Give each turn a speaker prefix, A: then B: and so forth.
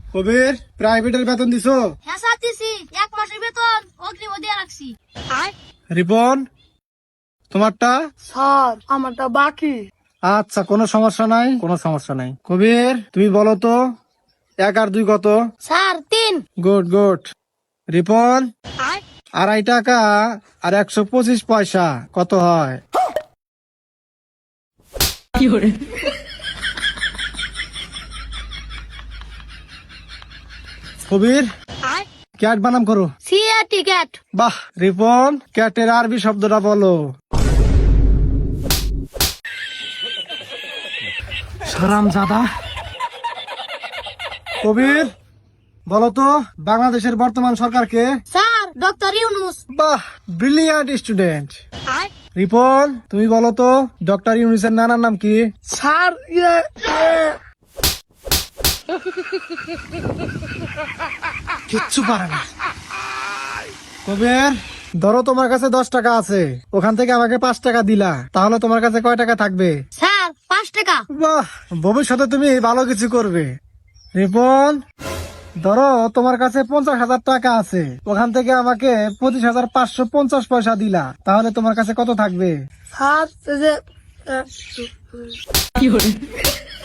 A: কবির, প্রাইভেটের বেতন দিছো?
B: হ্যাঁ স্যার দিছি, 1 মাসের বেতন অগ্রিম দিয়ে রাখছি।
A: রিপন, তোমারটা?
C: স্যার আমারটা বাকি।
A: আচ্ছা, কোনো সমস্যা নাই, কোনো সমস্যা নাই। কবির, তুমি বলো তো 1 আর 2 কত?
B: স্যার 3।
A: Good good. রিপন, 2.5 টাকা আর 125 পয়সা কত হয়? কবির, ক্যাট বানাম করো।
B: C A T cat.
A: বাহ রিপন, ক্যাটের আরবি শব্দটা বলো। হারামজাদা। কবির, বলো তো বাংলাদেশের বর্তমান সরকারকে?
B: Sir doctor Yunus.
A: বাহ, ব্রিলিয়ান্ট স্টুডেন্ট। রিপন, তুমি বলো তো ডক্টর ইউনুসের নানার নাম কি?
C: স্যার
A: কিচ্ছু পারে না। কবির, ধরো তোমার কাছে 10 টাকা আছে, ওখান থেকে আমাকে 5 টাকা দিলা, তাহলে তোমার কাছে কয় টাকা থাকবে?
B: স্যার 5 টাকা।
A: বাহ, ভবিষ্যতে তুমি ভালো কিছু করবে। রিপন, ধরো তোমার কাছে 50,000 টাকা আছে, ওখান থেকে আমাকে 25,550 পয়সা দিলা, তাহলে তোমার কাছে কত থাকবে?
C: স্যার